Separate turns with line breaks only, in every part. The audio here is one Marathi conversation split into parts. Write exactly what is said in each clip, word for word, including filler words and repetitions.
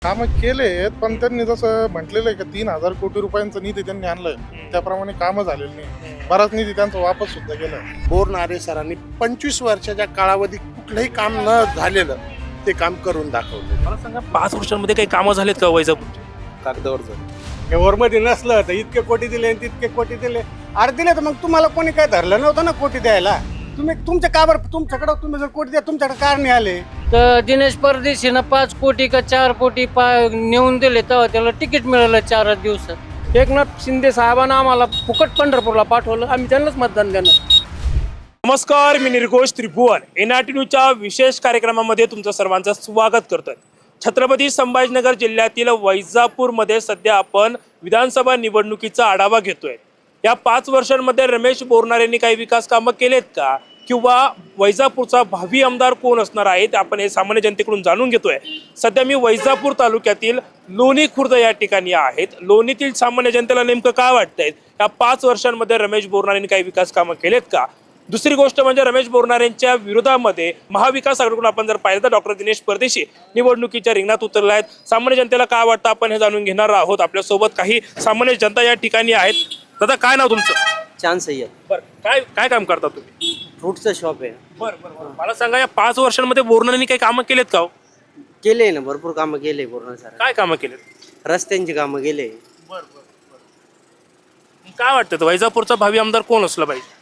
कामं केलेत, पण त्यांनी जसं म्हटलेलं आहे की तीन हजार कोटी रुपयांचा निधी त्यांनी आणलाय, त्याप्रमाणे कामं झालेली नाही. बराच निधी त्यांचा वापस सुद्धा गेला.
बोरनारे सरांनी पंचवीस वर्षाच्या काळावधी कुठलंही काम न झालेलं ते काम करून दाखवलं.
मला सांगा, पाच वर्षांमध्ये काही कामं झालेत का वैजापूरचे?
कागदावर झालं.
वरमध्ये नसलं तर इतके कोटी दिले आणि तितके कोटी दिले. अरे दिले तर मग तुम्हाला कोणी काय धरलं नव्हतं ना कोटी द्यायला. तुम्ही तुमच्या काबर तुमच्याकडे तुम्ही जर कोटी द्या तुमच्याकडे कार नाही आले.
तर दिनेश परदेशीनं पाच कोटी का चार कोटी पा नेऊन दिले तेव्हा त्याला तिकीट मिळालं चार दिवसात. एकनाथ शिंदे साहेबांना आम्हाला फुकट पंढरपूरला पाठवलं, आम्ही त्यांनाच मतदान देणार.
नमस्कार, मी Nirghosh Tribhuvan N R T न्यूजच्या विशेष कार्यक्रमामध्ये तुमचं सर्वांचं स्वागत करतोय. छत्रपती संभाजीनगर जिल्ह्यातील वैजापूरमध्ये सध्या आपण विधानसभा निवडणुकीचा आढावा घेतोय. या पाच वर्षांमध्ये रमेश बोरनारेंनी काही विकास कामं केलेत का, किंवा वैजापूरचा भावी आमदार कोण असणार आहे ते आपण हे सामान्य जनतेकडून जाणून घेतोय. सध्या मी वैजापूर तालुक्यातील लोणी खुर्द या ठिकाणी आहेत. लोणीतील सामान्य जनतेला नेमकं काय वाटतंय, या पाच वर्षांमध्ये रमेश बोरनारेंनी काही विकास कामं केलेत का? दुसरी गोष्ट म्हणजे रमेश बोरनारेंच्या विरोधामध्ये महाविकास आघाडीकडून आपण जर पाहिलं तर डॉक्टर दिनेश परदेशी निवडणुकीच्या रिंगणात उतरले आहेत. सामान्य जनतेला काय वाटतं आपण हे जाणून घेणार आहोत. आपल्यासोबत काही सामान्य जनता या ठिकाणी आहेत. दादा, काय नाव तुमचं?
चान्स आहे.
बरं, काय काय काम करता तुम्ही?
फ्रूटचं शॉप आहे.
बरं बरं मला सांगा, या पाच वर्षांमध्ये बोरनारेंनी काही कामं केलेत का?
केले ना, भरपूर कामं केले पूर्ण सर.
काय कामं केलेत?
रस्त्यांची कामं केले.
बरं बरं काय वाटतं वैजापूरचा भावी आमदार कोण असला पाहिजे?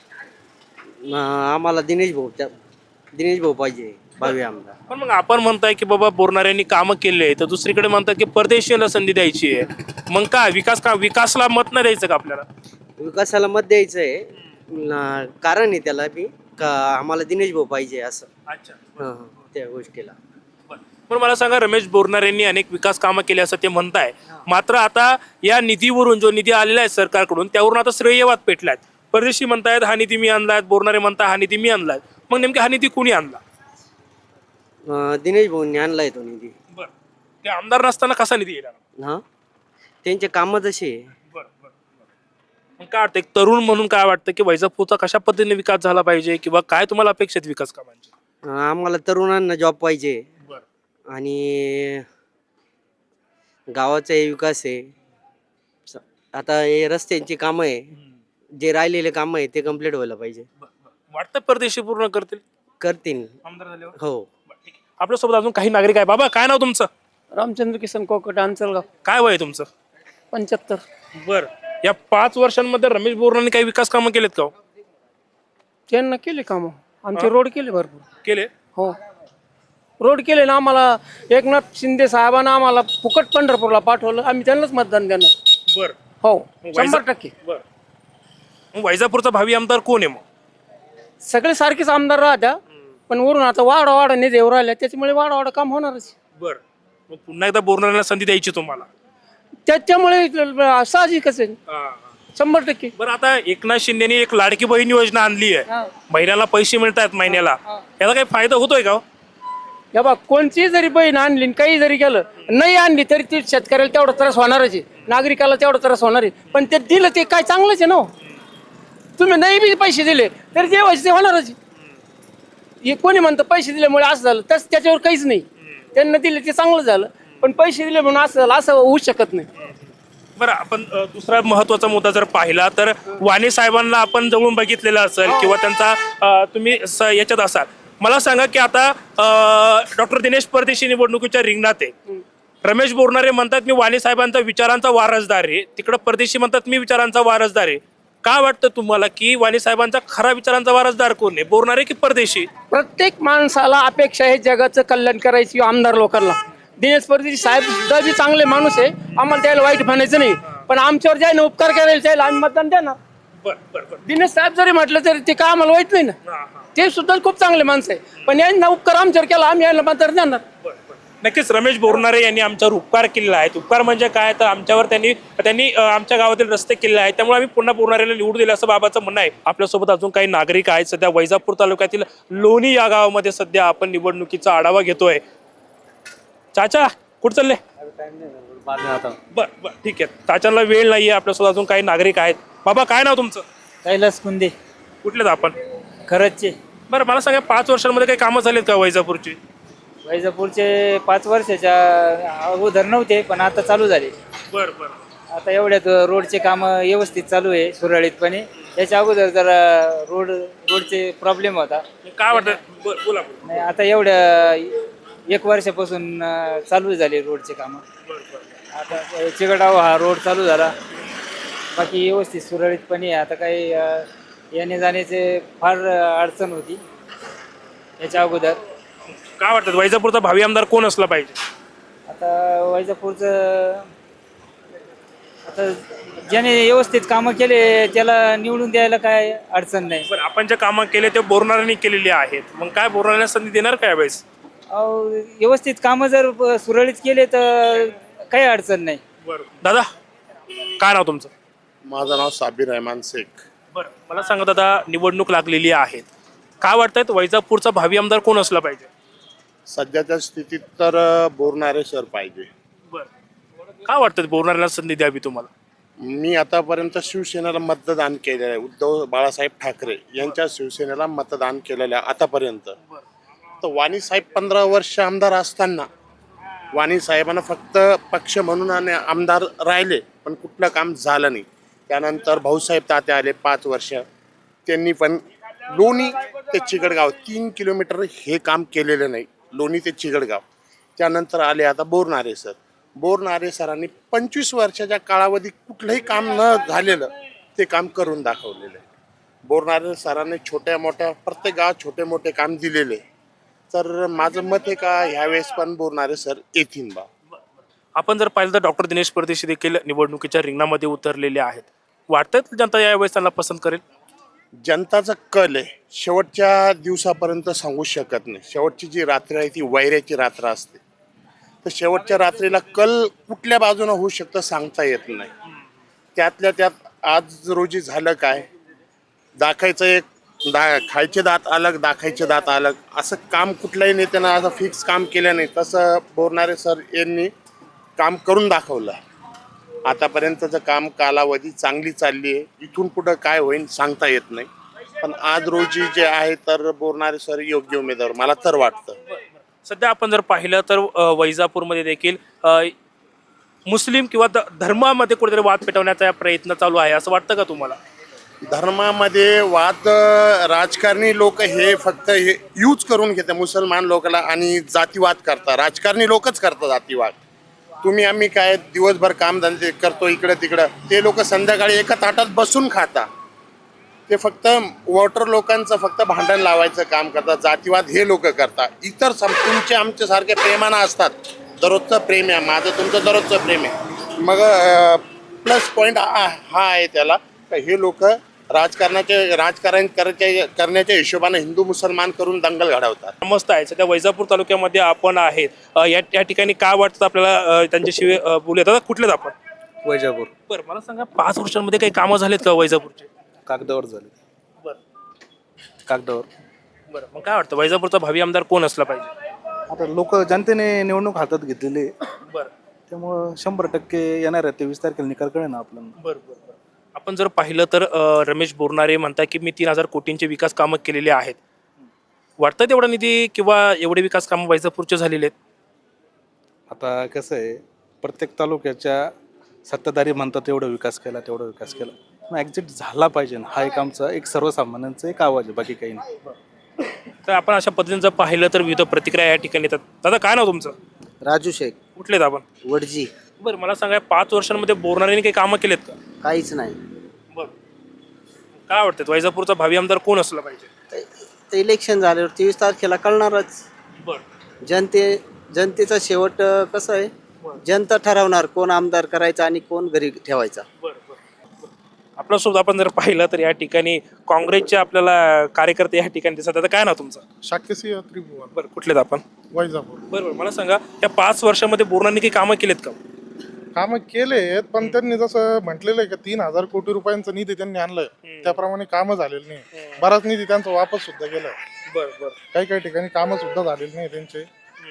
आम्हाला दिनेश भाऊ त्या दिनेश भाऊ पाहिजे भावी आमदार.
पण मग आपण म्हणताय की बाबा बोरनारेंनी कामं केले, तर दुसरीकडे म्हणतात की परदेशीला संधी द्यायची आहे. मग काय विकास का विकासला मत नाही द्यायचं का आपल्याला?
विकासाला मत द्यायचं आहे. न- कारण आहे त्याला बी का आम्हाला दिनेश भाऊ पाहिजे असं.
अच्छा.
हं, त्या गोष्टीला.
पण मला सांगा, रमेश बोरनारेंनी अनेक विकास कामं केली असं ते म्हणताय. मात्र आता या निधीवरून जो निधी आलेला आहे सरकारकडून, त्यावरून आता श्रेयवाद पेटलाय. परदेशी म्हणतायत हा निधी मी आणलाय, बोरनारे म्हणताय हा निधी मी आणलाय. मग नेमका हा निधी कुणी आणला?
अं, दिनेश भाऊंनी आणलाय तो निधी.
बरं, ते आमदार नसताना कसा निधी येणार?
हा, त्यांचे कामं तसे आहे.
मग काय वाटतं, एक तरुण म्हणून काय वाटतं की वैजापूरचा कशा पद्धतीने विकास झाला पाहिजे, किंवा काय तुम्हाला अपेक्षित विकास कामांची?
अं, आम्हाला तरुणांना जॉब पाहिजे
बरं.
आणि गावाचा विकास आहे. स- आता हे रस्त्यांची कामं आहे, जे राहिलेले कामं आहे ते कम्प्लीट व्हायला पाहिजे.
वाटतं परदेशी पूर्ण करतील
करतील.
आमदार झाल्यावर?
हो.
आपल्यासोबत अजून काही नागरिक आहे. बाबा, काय नाव तुमचं?
रामचंद्र किसन कोकट, अंचलगाव,
काय वय आहे तुमचं?
पंच्याहत्तर.
बर, या पाच वर्षांमध्ये रमेश बोरनारेंनी काही विकास कामं केलेत का?
त्यांना केले कामं, आमचे रोड केले भरपूर.
केले.
हो, रोड केले ना. आम्हाला एकनाथ शिंदे साहेबांना आम्हाला फुकट पंढरपूरला पाठवलं, आम्ही त्यांनाच मतदान देणार.
बर.
हो,
वैजा-
शंभर टक्के.
बर, मग वैजापूरचा भावी आमदार कोण आहे मग?
सगळे सारखेच आमदार राहत्या, पण वरून आता वाडा वाडा निधी येऊ राहिल्या, त्याच्यामुळे वाडा वाडा काम होणारच.
बर, मग पुन्हा एकदा बोरनारेंना संधी द्यायची तुम्हाला?
त्याच्यामुळे साहजिकच आहे, शंभर टक्के.
बरं, आता एकनाथ शिंदेनी एक लाडकी बहीण योजना आणली आहे.
हा.
महिन्याला पैसे मिळतात महिन्याला. याचा काही फायदा होतोय का?
या बा, कोणची जरी बहीण आणली आणि काही जरी केलं, नाही आणली तरी ती शेतकऱ्याला तेवढा त्रास होणारच आहे, नागरिकाला तेवढा त्रास होणार आहे. पण ते दिलं ते काय चांगलंच आहे ना. तुम्ही नाही बी पैसे दिले तरी जे व्हायचे ते होणारच आहे. हे कोणी म्हणतं पैसे दिल्यामुळे असं झालं, तस त्याच्यावर काहीच नाही. त्यांना दिले ते चांगलं झालं, पण पैसे दिले म्हणून असं झालं असं होऊ शकत नाही.
बरं, आपण अ, दुसरा महत्वाचा मुद्दा जर पाहिला तर वाणी साहेबांना आपण जवळून बघितलेला असेल, किंवा त्यांचा अ, तुम्ही स- याच्यात असाल. मला सांगा की आता डॉक्टर दिनेश परदेशी निवडणुकीच्या रिंगणात आहे. रमेश बोरनारे म्हणतात मी वाणी साहेबांचा विचारांचा वारसदार आहे, तिकडं परदेशी म्हणतात मी विचारांचा वारसदार आहे. काय वाटतं तुम्हाला की वाणी साहेबांचा खरा विचारांचा वारसदार कोण आहे, बोरनारे की परदेशी?
प्रत्येक माणसाला अपेक्षा आहे जगाचं कल्याण करायची आमदार लोकांना. दिनेश परदेशी साहेब सुद्धा बी चांगले माणूस आहे, आम्हाला त्याला वाईट म्हणायचं नाही. पण आमच्यावर ज्याने उपकार करायला त्याला आम्ही मतदान देणार.
बरं बरं बरं
दिनेश साहेब जरी म्हटलं तरी ते काय आम्हाला वाईट नाही ना.
हां हां
ते सुद्धा खूप चांगले माणसं आहे, पण यांना उपकार आमच्यावर केला, आम्ही यायला मतदान देणार.
नक्कीच रमेश बोरनारे यांनी आमच्यावर उपकार केलेला आहे. उपकार म्हणजे काय, तर आमच्यावर त्यांनी त्यांनी अ, आमच्या गावातील रस्ते केले आहेत, त्यामुळे आम्ही पुन्हा बोरनारेला निवडून दिलं असं बाबाचं म्हणणं आहे. आपल्यासोबत अजून काही नागरिक आहेत. सध्या वैजापूर तालुक्यातील लोणी या गावामध्ये सध्या आपण निवडणुकीचा आढावा घेतोय. चाचा, कुठं चालले? बर बर ठीक आहे, चाचांना वेळ नाहीये. आपल्यासोबत अजून काही नागरिक आहेत. बाबा, काय नाव तुमचं?
कैलास कुंदे,
कुठलेत आपण?
खरंचचे.
बरं, मला सांगा, पाच वर्षांमध्ये काही कामं झालीत का वैजापूरची?
वैजापूरचे पाच वर्षाच्या अगोदर नव्हते, पण आता चालू झाले.
बर बर
आता एवढ्यात रोडचे कामं व्यवस्थित चालू आहे सुरळीतपणे. याच्या अगोदर जरा रोड रोडचे प्रॉब्लेम होता.
काय वाटतं बर बोला बोला.
नाही, आता एवढ्या एक वर्षापासून अं, चालू झाले रोडचे कामं.
बर बर
आता चिगडाव हा रोड चालू झाला, बाकी व्यवस्थित सुरळीतपणे आहे. आता काही अं, येणे जाण्याचे फार अडचण होती याच्या अगोदर.
काय वाटतं वैजापूरचा भावी आमदार कोण असला पाहिजे?
आता वैजापूरचं आता ज्याने व्यवस्थित कामं केले त्याला निवडून द्यायला काय अडचण नाही.
बरं, आपण जे कामं केले ते बोरणाऱ्यांनी केलेली आहेत, मग काय बोरणाऱ्यांना संधी देणार काय वेळेस?
अहो, व्यवस्थित कामं जर प- सुरळीत केले तर काही अडचण नाही.
बरं दादा, काय नाव तुमचं?
माझं नाव साबिर रहमान शेख.
बरं, मला सांगा दादा, निवडणूक लागलेली आहे, काय वाटतंय वैजापूरचा भावी आमदार कोण असला पाहिजे?
सध्याच्या स्थितीत तर अ, बोरणारे सर पाहिजे.
बरं, काय वाटतं बोरणाऱ्यांना संधी द्यावी तुम्हाला?
मी आतापर्यंत शिवसेनेला मतदान केलेलं आहे. उद्धव बाळासाहेब ठाकरे यांच्या शिवसेनेला मतदान केलेलं आहे आतापर्यंत. तर वाणी साहेब पंधरा वर्ष आमदार असताना वाणी साहेबांना फक्त पक्ष म्हणून आणि आमदार राहिले, पण कुठलं काम झालं नाही. त्यानंतर भाऊसाहेब तात्या आले पाच वर्ष, त्यांनी पण लोणी ते चिगडगाव तीन किलोमीटर हे काम केलेलं नाही, लोणी ते चिगडगाव. त्यानंतर आले आता बोरणारे सर. बोरणारे सरांनी पंचवीस वर्षाच्या कालावधी कुठलंही काम न झालेलं ते काम करून दाखवलेलं आहे. बोरणारे सरांनी छोट्या मोठ्या प्रत्येक गावात छोटे मोठे काम दिलेले. तर माझं मत आहे का ह्यावेळेस पण बोरणारे सर येतील बा.
आपण जर पाहिलं तर डॉक्टर दिनेश परदेशी देखील निवडणुकीच्या रिंगणामध्ये उतरलेले आहेत. वाटतं जनता यावेळेस त्यांना पसंत करेल?
जनताचा कल आहे, शेवटच्या दिवसापर्यंत सांगू शकत नाही. शेवटची जी रात्र आहे ती वैऱ्याची रात्र असते. तर शेवटच्या रात्रीला कल कुठल्या बाजूने होऊ शकतं सांगता येत नाही. त्यातल्या त्यात आज रोजी झालं काय, दाखायचं एक दा खायचे दात अलग, दाखायचे दात अलग, असं काम कुठल्याही नेत्यानं असं फिक्स काम केलं नाही. तसं बोरणारे सर यांनी काम करून दाखवलं. आतापर्यंतचं काम कालावधी चांगली चालली आहे. इथून पुढं काय होईल सांगता येत नाही, पण आज रोजी जे आहे तर बोरणारे सर योग्य उमेदवार मला तर वाटतं.
सध्या आपण जर पाहिलं तर अ, वैजापूरमध्ये देखील अ, मुस्लिम किंवा ध- धर्मामध्ये कुठेतरी वाद पेटवण्याचा प्रयत्न चालू आहे, असं वाटतं का तुम्हाला?
धर्मामध्ये वाद अ, राजकारणी लोक हे फक्त हे यूज करून घेतात मुसलमान लोकांना आणि जातीवाद करतात. राजकारणी लोकच करतात जातीवाद. तुम्ही आम्ही काय दिवसभर कामधंदे करतो इकडं तिकडं, ते लोक संध्याकाळी एका ताटात बसून खाता. ते फक्त वॉटर लोकांचं फक्त भांडण लावायचं काम करतात. जातीवाद हे लोक करतात. इतर सम तुमचे आमच्यासारखे प्रेमानं असतात. दररोजचं प्रेम आहे, माझं तुमचं दररोजचं प्रेम आहे. मग प्लस पॉईंट हा हा आहे त्याला का हे लोक राजकारणाचे राजकारण करायच्या करण्याच्या हिशोबाने हिंदू मुसलमान करून दंगल घडवतात.
मस्त आहे. सध्या वैजापूर तालुक्यामध्ये आपण आहेत. अ, या या ठिकाणी काय वाटतं आपल्याला? अ, त्यांच्याशिवाय अ, बोलूयात. आता कुठलेच आपण?
वैजापूर
बरं, मला सांगा, पाच वर्षांमध्ये काही कामं झालेत का वैजापूरचे?
कागदावर झाले.
बरं
कागदावर.
बरं, मग काय वाटतं वैजापूरचा भावी आमदार कोण असला पाहिजे?
आता लोक जनतेने निवडणूक हातात घेतलेली आहे.
बरं
त्यामुळं शंभर टक्के येणार आहे तेवीस तारखेला निकाल कळेल ना आपल्याला.
बरं बरं बरं. आपण जर पाहिलं तर अ, रमेश बोरणारे म्हणतात की मी तीन हजार कोटींचे विकास कामं केलेले आहेत. वाटतं तेवढा निधी किंवा एवढे विकास कामं वैजापूरचे झालेले आहेत?
आता कसं आहे, प्रत्येक तालुक्याच्या सत्ताधारी म्हणतात एवढा विकास केला तेवढा विकास केला, पण ॲक्झिट झाला पाहिजे ना, हा एक आमचा एक सर्वसामान्यांचा एक आवाज आहे, बाकी काही नाही.
तर आपण अशा पद्धतीने जर पाहिलं तर विविध प्रतिक्रिया या ठिकाणी येतात. दादा, काय नाव तुमचं?
राजू शेख,
कुठलेत आपण?
वडजी.
बरं, मला सांगा, पाच वर्षांमध्ये बोरणाऱ्यांनी काही कामं केलेत का?
काहीच नाही.
बरं, काय वाटतं वैजापूरचा भावी आमदार कोण असला पाहिजे?
ते- ते इलेक्शन झाल्यावर तेवीस तारखेला कळणारच.
बरं
जनते जनतेचा शेवट अं, कसं आहे, जनता ठरवणार कोण आमदार करायचा आणि कोण घरी ठेवायचा.
बरं बरं. आपल्यासोबत आपण जर पाहिलं तर या ठिकाणी काँग्रेसचे आपल्याला कार्यकर्ते या ठिकाणी दिसतात. आता काय नाव तुमचं?
शाक्यसिंह त्रिभुवन,
बरं, कुठलेत आपण?
वैजापूर.
बरं बरं, मला सांगा, या पाच वर्षामध्ये बोरणाऱ्यांनी काही कामं केलेत का?
कामं केलेत, पण त्यांनी जसं म्हटलेलं आहे की तीन हजार कोटी रुपयांचा निधी त्यांनी आणलाय, त्याप्रमाणे कामं झालेली नाही. बराच निधी त्यांचा वापस सुद्धा गेलाय.
बरं बरं.
काही काही ठिकाणी कामं सुद्धा झालेली नाही त्यांचे.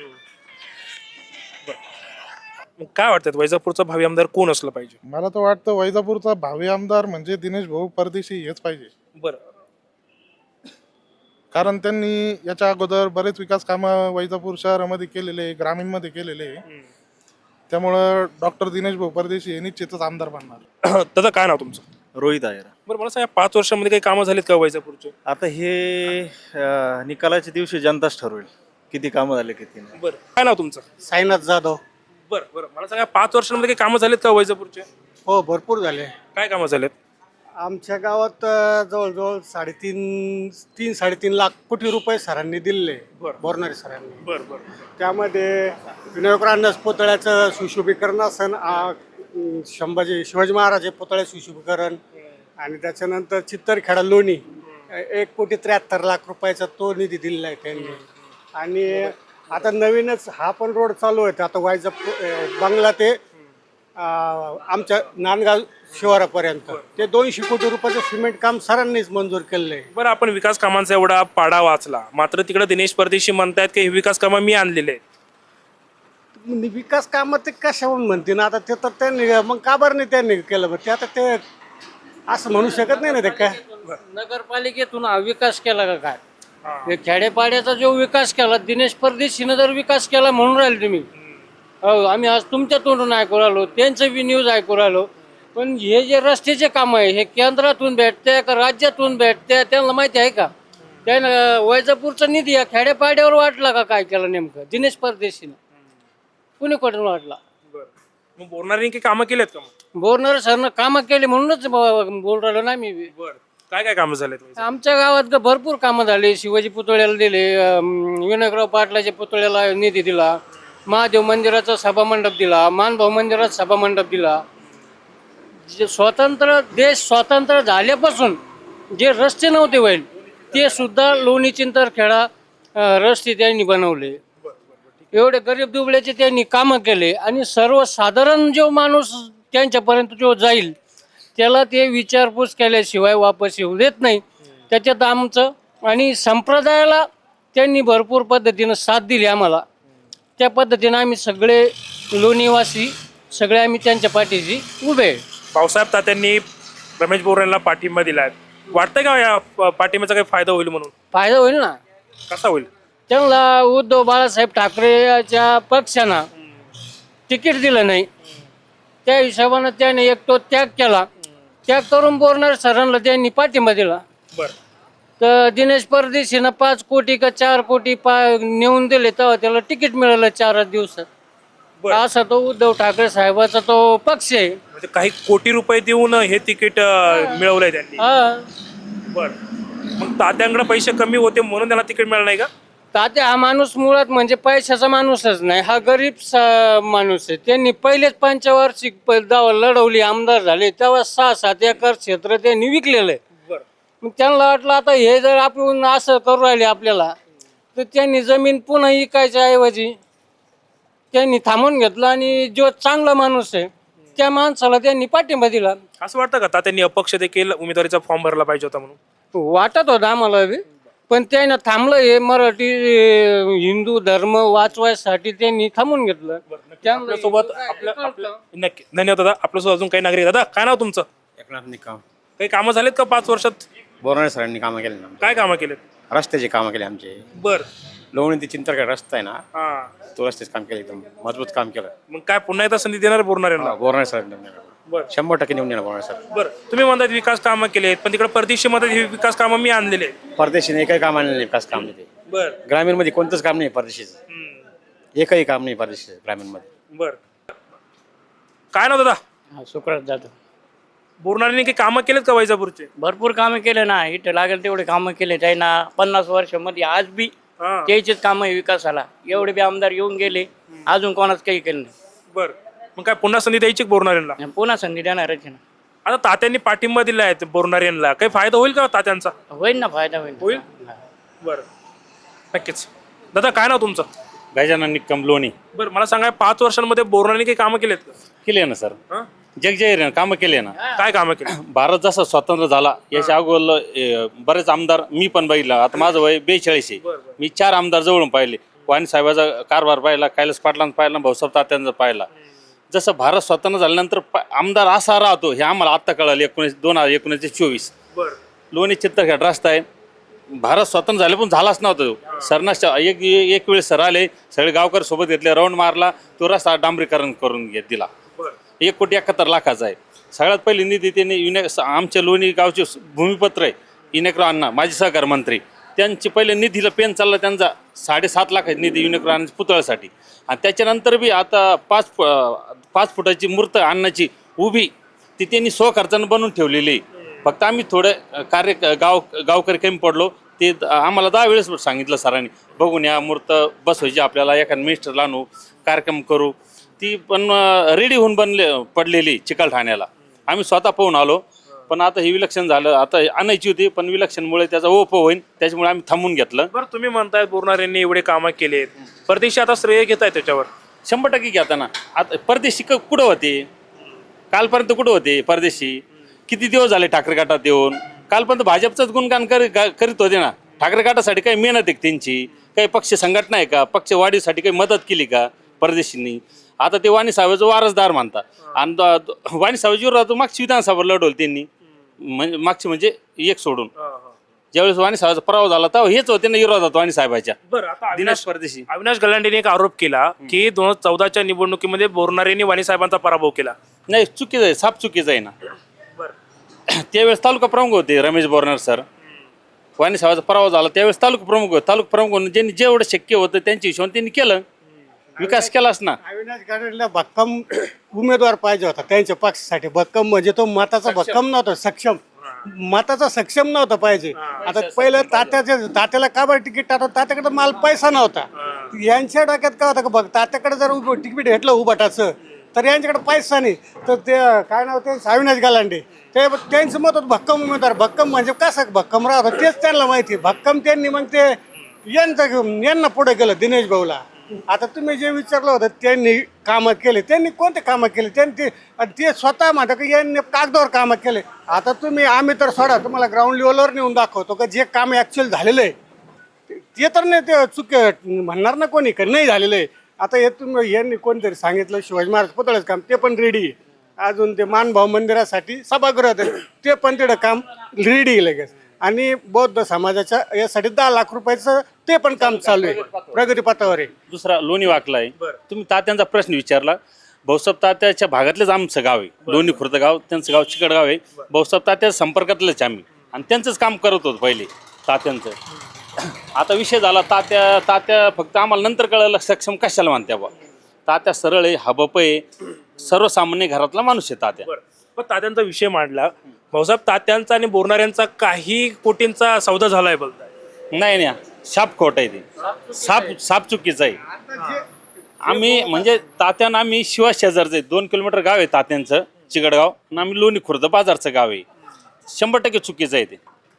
मग काय वाटतं वैजापूरचा भावी आमदार कोण असलं पाहिजे?
मला तर वाटतं वैजापूरचा भावी आमदार म्हणजे दिनेश भाऊ परदेशी हेच पाहिजे.
बरं,
कारण त्यांनी याच्या अगोदर बरेच विकास कामं वैजापूर शहरामध्ये केलेले, ग्रामीणमध्ये केलेले. त्यामुळं डॉक्टर दिनेश भाऊ परदेशी हे निश्चितच आमदार बनणार.
दादा काय नाव तुमचं?
रोहित आहे.
बरं मला सांगा, पाच वर्षामध्ये काही कामं झालीत का वैजापूरचे?
आता हे अं, निकालाच्या दिवशी जनताच ठरवेल किती कामं झाले किती नाही.
बरं काय नाव तुमचं?
साईनाथ जाधव.
बरं बरं मला सांगा, पाच वर्षांमध्ये काही कामं झालीत का वैजापूरचे?
हो, भरपूर झाले.
काय कामं झालेत?
आमच्या गावात अ, जवळजवळ साडेतीन तीन साडेतीन लाख कोटी रुपये सरांनी दिले, बोरणारे सरांनी.
बरं बरं
त्यामध्ये विनायकराव पुतळ्याचं सुशोभीकरण असन, आ, संभाजी शिवाजी महाराज पुतळ्या सुशोभीकरण, आणि त्याच्यानंतर चित्तरखेडा लोणी एक कोटी त्र्याहत्तर लाख रुपयाचा तो निधी दिलेला आहे त्यांनी. आणि आता नवीनच हा पण रोड चालू आहे आता वायजा बंगला ते आमच्या नांदगाव शिवारापर्यंत, ते दोनशे कोटी रुपयाचं सिमेंट काम सरांनीच मंजूर केलेलं आहे.
बरं आपण विकास कामांचा एवढा पाडा वाचला, मात्र तिकडे दिनेश परदेशी म्हणतायत की हे विकास कामं मी आणलेले आहेत.
विकास कामं ते कशाहून म्हणते ना, आता ते तर त्यांनी मग का बरं नाही त्यांनी केलं, ते आता ते असं म्हणू शकत नाही ना ते काय.
नगरपालिकेतून हा विकास केला का काय? हे खेड्यापाड्याचा जो विकास केला दिनेश परदेशीनं जर विकास केला म्हणून राहिले तुम्ही. हो, आम्ही आज तुमच्या तोंडून ऐकू राहिलो, त्यांचं बी न्यूज ऐकू राहिलो. पण हे जे रस्त्याचे काम आहे हे केंद्रातून भेटते का राज्यातून भेटते त्यांना माहिती आहे का? त्यानं वैजापूरचा निधी या खेड्यापाड्यावर वाटला का काय केलं नेमकं दिनेश परदेशीनं? कुणीकडून वाटला?
मग बोलणाऱ्यांनी काही कामं केलेत का? मग
बोरणार सरनं कामं केली म्हणूनच ब- बोल राहिलो ना मी.
बरं काय काय कामं झालेत?
आमच्या गावात ग- भरपूर कामं झाली. शिवाजी पुतळ्याला दिले, अं, विनायकराव पाटलाच्या पुतळ्याला निधी दिला, महादेव मंदिराचा सभामंडप दिला, मानभाऊ मंदिरात सभामंडप दिला. जे स्वतंत्र देश स्वतंत्र झाल्यापासून जे रस्ते नव्हते व्हायला ते सुद्धा लोणी चिंतरखेडा अं, रस्ते त्यांनी बनवले. एवढे गरीब दुबळ्याचे त्यांनी कामं केले. आणि सर्वसाधारण जो माणूस त्यांच्यापर्यंत जो जाईल त्याला ते विचारपूस केल्याशिवाय वापस येऊ देत नाही. त्याच्यात आमचं आणि संप्रदायाला त्यांनी भरपूर पद्धतीनं साथ दिली आम्हाला. त्या पद्धतीनं आम्ही सगळे लोणीवासी सगळे आम्ही त्यांच्या पाठीशी उभे.
भाऊसाहेब तात्यांनी रमेश बोरांना पाठिंबा दिलाय, वाटतंय का या प- पाठिंब्याचा काही फायदा होईल म्हणून?
फायदा होईल ना.
कसा होईल?
त्यांना उद्धव बाळासाहेब ठाकरेच्या पक्षानं तिकीट दिलं नाही, त्या हिशोबानं त्याने एक तो त्याग केला. त्याग करून बोरणार सरांना त्यांनी पाठिंबा दिला.
बरं
तर दिनेश परदेशीनं पाच कोटी का चार कोटी पा नेऊन दिले तेव्हा त्याला तिकीट मिळालं चार दिवसात.
बरं.
असा तो उद्धव ठाकरे साहेबाचा तो पक्ष आहे.
म्हणजे काही कोटी रुपये देऊन हे तिकीट अं, मिळवलंय त्यांनी.
हा,
बरं मग तात्यांकडे पैसे कमी होते म्हणून त्यांना तिकीट मिळालं नाही का?
तात्या हा माणूस मुळात म्हणजे पैशाचा माणूसच नाही, हा गरीब सा- माणूस आहे. त्यांनी पहिलेच पंचवार्षिक प- दावा लढवली, आमदार झाले तेव्हा सहा सात एकर क्षेत्र त्यांनी विकलेलं आहे.
बरं
मग त्यांना वाटलं आता हे जर आपण असं करू राहिले आपल्याला, तर त्यांनी जमीन पुन्हा विकायच्या ऐवजी त्यांनी थांबून घेतलं आणि जो चांगला माणूस आहे त्या माणसाला त्यांनी पाठिंबा दिला.
असं वाटतं का तात्यांनी अपक्ष देखील उमेदवारीचा फॉर्म भरला पाहिजे होता म्हणून?
वाटत होतं आम्हाला बी, पण त्यानं थांबलं. हे मराठी अं, हिंदू धर्म वाचवायसाठी त्यांनी थांबून घेतलं. त्यांना
आपल्यासोबत आपल्या आपल्या नक्की धन्यवाद दादा. आपल्यासोबत अजून काही नागरिक. दादा काय नाव तुमचं?
एकनाथ निकम.
काही कामं झालेत का पाच वर्षात?
बोरणारे सरांनी कामं केले ना,
काय कामं केलेत?
रस्त्याचे कामं केले आमचे.
बर
लोणी ते चिंतरखेड रस्ता आहे ना,
हा
तो रस्त्याचं काम केलं, एकदम मजबूत काम केलं.
मग काय पुन्हा एकदा संधी देणार बोलणाऱ्यांना?
बोरणारे सर
बर
शंभर टक्के निवडून येणार बोरणारे सर.
बर तुम्ही म्हणतात विकास कामं केले, पण तिकडे परदेशी मध्ये हे विकास कामं मी आणलेले आहेत.
परदेशीने एकही काम आणलं नाही, विकास काम नाही. ते
बर
ग्रामीणमध्ये कोणतंच काम नाही परदेशीचं,
हम्म.
एकही काम नाही परदेशीचं ग्रामीणमध्ये.
बर काय नाव दादा?
सुकरात जातो.
बोलणाऱ्यांनी काही कामं केलेत का वैजापूरचे?
भरपूर कामं केले ना, इथं लागेल तेवढे कामं केले त्यांना पन्नास वर्षामध्ये. आज बी
हा
त्याचेच कामं आहे विकासाला. एवढे बी आमदार येऊन गेले, अजून कोणाच काही केलं
बर मग काय पुन्हा संधी द्यायची बोलणाऱ्यांना?
नाही. पुन्हा संधी देणारच आहे ना.
आता तात्यांनी पाठिंबा दिलाय बोलणाऱ्यांना, काही फायदा होईल का तात्यांचा?
होईल ना, फायदा होईल.
होईल? बरं नक्कीच. दादा काय नाव तुमचं?
गजानन निकम लोणी.
बरं मला सांगा, पाच वर्षांमध्ये बोरणाऱ्यांनी काही कामं केलेत का?
केले ना सर,
हं?
जगजाहीर कामं केले ना.
काय कामं केली?
भारत जसा स्वतंत्र झाला याच्या अगोदर बरेच आमदार मी पण बघितला. आता माझं वय बेचाळीस आहे. मी चार आमदार जवळून पाहिले. वाणी साहेबाचा कारभार पाहिला, कैलास पाटलांचा पाहिला, भाऊसाहेब तात्यांचा पाहिला. जसं भारत स्वतंत्र झाल्यानंतर प- आमदार असा राहतो हे आम्हाला आत्ता कळालं. एकोणीस दोन हजार एकोणीस ते चोवीस
बरं
लोणी चित्तरखेड रस्ता आहे, भारत स्वतंत्र झाले पण झालाच नव्हता. सरना एक एक वेळेस सर आले, सगळे गावकर सोबत घेतले, राऊंड मारला, तो रस्ता डांबरीकरण करून घेत दिला. एक कोटी एकाहत्तर लाखाचा आहे. सगळ्यात पहिले निधी त्यांनी युने आमच्या लोणी गावचे भूमिपत्र आहे युनेक्रो अण्णा माजी सहकार मंत्री, त्यांचे पहिले निधीला पेन चालला त्यांचा साडेसात लाख निधी युनेक्रो अण्णाच्या पुतळ्यासाठी. आणि त्याच्यानंतर बी आता पाच पाच फुटाची मूर्त अण्णाची उभी ती त्यांनी स्वखर्चानं बनवून ठेवलेली आहे. फक्त आम्ही थोडं कार्य गाव गावकरी कमी पडलो, ते आम्हाला दहा वेळेस सांगितलं सरांनी, बघून या मूर्त बसवायची आपल्याला, एखादं मिनिस्टर आणू, कार्यक्रम करू. ती पण रेडी होऊन बनले पडलेली चिकलठाण्याला. आम्ही स्वतः पाहून आलो, पण आता हे विलक्षण झालं, आता आणायची होती पण विलक्षणमुळे त्याचा ओप होईन, त्याच्यामुळे आम्ही थांबून घेतलं.
बरं, तुम्ही म्हणताय बोरणार यांनी एवढे कामं केले, परदेशी आता श्रेय घेत आहे त्याच्यावर.
शंभर टक्के घेताना आता परदेशी क कुठं होते, कालपर्यंत कुठं होते परदेशी? किती दिवस झाले ठाकरे गटात येऊन? कालपर्यंत भाजपचंच गुणगान करी करीत होते ना. ठाकरे गटासाठी काही मेहनत आहे त्यांची, काही पक्ष संघटना आहे का, पक्ष वाढीसाठी काही मदत केली का परदेशींनी? आता ते वाणी साहेबाचं वारसदार म्हणतात. आणि वाणी साहेबाची विरोधात मागची विधानसभा लढवली त्यांनी, म्हणजे मागची म्हणजे एक सोडून. ज्यावेळेस वाणी साहेबाचा पराभव झाला तेव्हा हेच होते ना विरोधात वाणी साहेबाच्या.
बरं, आता
दिनेश परदेशी
अविनाश गलांडेने एक आरोप केला की दोन हजार चौदाच्या निवडणुकीमध्ये बोरणार यांनी वाणी साहेबांचा पराभव केला.
नाही, चुकीचं आहे, साफ चुकीचं आहे ना. त्यावेळेस तालुका प्रमुख होते रमेश बोरणार सर. वाणी साहेबाचा पराभव झाला त्यावेळेस तालुका प्रमुख होते. तालुका प्रमुख म्हणून ज्यांनी जेवढं शक्य होतं त्यांच्या हिशोबाने त्यांनी केलं, विकास केलाच ना.
अविनाश गाडेला भक्कम उमेदवार पाहिजे होता त्यांच्या पक्षासाठी. भक्कम म्हणजे तो मताचा भक्कम नव्हता, सक्षम मताचा सक्षम नव्हता पाहिजे. आता पहिलं तात्याच्या तात्याला का बरं तिकीट टाकत? तात्याकडे माल पैसा नव्हता. यांच्या डोक्यात काय होतं का बघ, तात्याकडे जर उभं तिकीट घेतलं उभाटाचं तर यांच्याकडे पैसा नाही, तर ते काय नाव ते अविनाश गलांडे, ते त्यांचं मत होतं भक्कम उमेदवार. भक्कम म्हणजे कसं भक्कम राहतं तेच त्यांना माहिती. भक्कम त्यांनी मग ते यांचं यांना पुढे केलं दिनेश भाऊला. आता तुम्ही जे विचारलं होतं त्यांनी कामं केले, त्यांनी कोणते कामं केले? त्यांनी ते ते स्वतः म्हणतात की यांनी कागदावर कामं केले. आता तुम्ही आम्ही तर सोडा, तुम्हाला ग्राउंड लेवलवर नेऊन दाखवतो का जे काम ॲक्च्युअल झालेलं आहे ते तर नाही, ते चुक म्हणणार ना कोणी का नाही झालेलं आहे. आता हे तुम्ही यांनी कोणतरी सांगितलं शिवाजी महाराज पुतळ्याचं काम, ते पण रेडी आहे. अजून ते मानभाव मंदिरासाठी सभागृह ते पण तेवढं काम रेडी आहे लगेच. आणि बौद्ध समाजाच्या यासाठी दहा लाख रुपयाचं ते पण काम चालू आहे, प्रगती पथावर आहे.
दुसरा लोणी वाकला आहे. तुम्ही तात्यांचा प्रश्न विचारला. भाऊसाहेब तात्याच्या भागातलेच आमचं गाव आहे लोणी खुर्द गाव, त्यांचं गाव चिकडगाव आहे. भाऊसाहेब तात्या संपर्कातलेच आम्ही, आणि त्यांचंच काम करत होतो पहिले तात्यांचं. आता विषय झाला तात्या तात्या फक्त आम्हाला नंतर कळलं सक्षम कशाला म्हणत्या बा. तात्या सरळ आहे, हबप आहे, सर्वसामान्य घरातला माणूस आहे तात्या.
पण तात्यांचा विषय मांडला, भाऊसाहेब तात्यांचा आणि बोरणाऱ्यांचा काही कोटींचा सौदा झालाय बोलताय.
नाही नाही, साप खोट आहे ते, साप साप चुकीचं आहे. आम्ही म्हणजे तात्यांना आम्ही शिवा शेजारचं आहे, दोन किलोमीटर गाव आहे तात्यांचं चिकडगाव, आणि आम्ही लोणी खुर्द बाजारचं गाव आहे. शंभर टक्के चुकीचं आहे ते.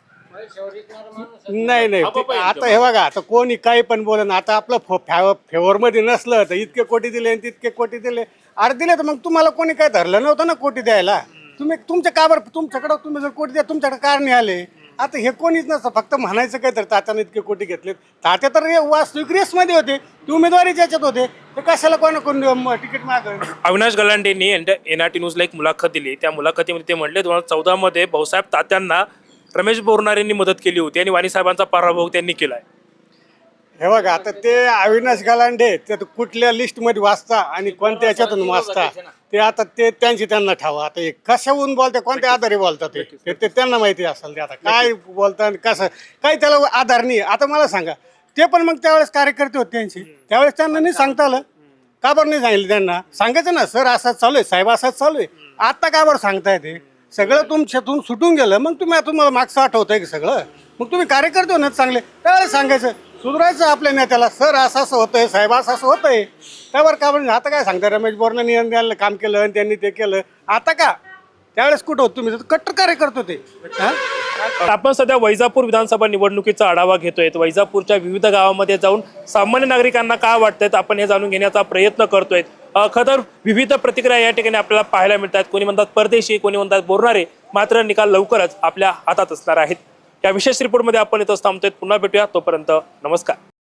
नाही नाही ते- आता हे बघा, आता कोणी काही पण बोला ना. आता आपलं फेवरमध्ये नसलं तर इतके कोटी दिले आणि तितके कोटी दिले, अरे दिले तर मग तुम्हाला कोणी काय धरलं नव्हतं ना कोटी द्यायला. तुम्ही तुमच्या का बरं तुमच्याकडं तुम्ही जर कोटी द्या तुमच्याकडे कार नाही आले. आता हे कोणीच नसतं, फक्त म्हणायचं काय तर तात्याने इतके कोटी घेतलेत. तात्या तर वास्तविक रेसमध्ये होते, ते उमेदवारीच्या याच्यात होते, ते कशाला कोणा कोण तिकीट मागं.
अविनाश गलांडेंनी एन आर टी न्यूजला एक मुलाखत दिली. त्या मुलाखतीमध्ये ते म्हणले दोन हजार चौदा मध्ये भाऊसाहेब तात्यांना रमेश बोरणार यांनी मदत केली होती आणि वाणी साहेबांचा पराभव त्यांनी केलाय.
हे बघा, आता ते अविनाश गलांडे ते कुठल्या लिस्टमध्ये वाचता आणि कोणत्या याच्यातून वाचता ते आता ते त्यांची त्यांना ठावा. आता हे कशाहून बोलते, कोणत्या आधारे बोलतात ते ते त्यांना माहिती असेल. ते आता काय बोलतात कसं काही त्याला आधार नाही. आता मला सांगा, ते पण मग त्यावेळेस कार्यकर्ते होते त्यांची, त्यावेळेस त्यांना नाही सांगता आलं का बरं? नाही सांगितलं त्यांना, सांगायचं ना सर असाच चालू आहे, साहेब असाच चालू आहे. आता का बरं सांगताय? ते सगळं तुमच्यातून सुटून गेलं, मग तुम्ही तुम्हाला मागचं आठवत आहे की सगळं, मग तुम्ही कार्यकर्ते होणार चांगले, त्यावेळेस सांगायचं, सुधारायचं आपल्या नेत्याला, सर असं असं होतंय, साहेब असं असं होतंय. त्यावर का बरं आता काय सांगता? रमेश बोरनानी यांनी काम केलं आणि त्यांनी ते केलं, आता का? त्यावेळेस कुठं होत तुम्ही? कट्टर कार्यकर्ते होते.
आपण सध्या वैजापूर विधानसभा निवडणुकीचा आढावा घेतोय. वैजापूरच्या विविध गावामध्ये जाऊन सामान्य नागरिकांना काय वाटतंय आपण हे जाणून घेण्याचा प्रयत्न करतोय. खतर विविध प्रतिक्रिया या ठिकाणी आपल्याला पाहायला मिळतात. कोणी म्हणतात परदेशी, कोणी म्हणतात बोरणारे. मात्र निकाल लवकरच आपल्या हातात असणार आहेत. या विशेष रिपोर्टमध्ये आपण इथं थांबतोय. पुन्हा भेटूया, तोपर्यंत नमस्कार.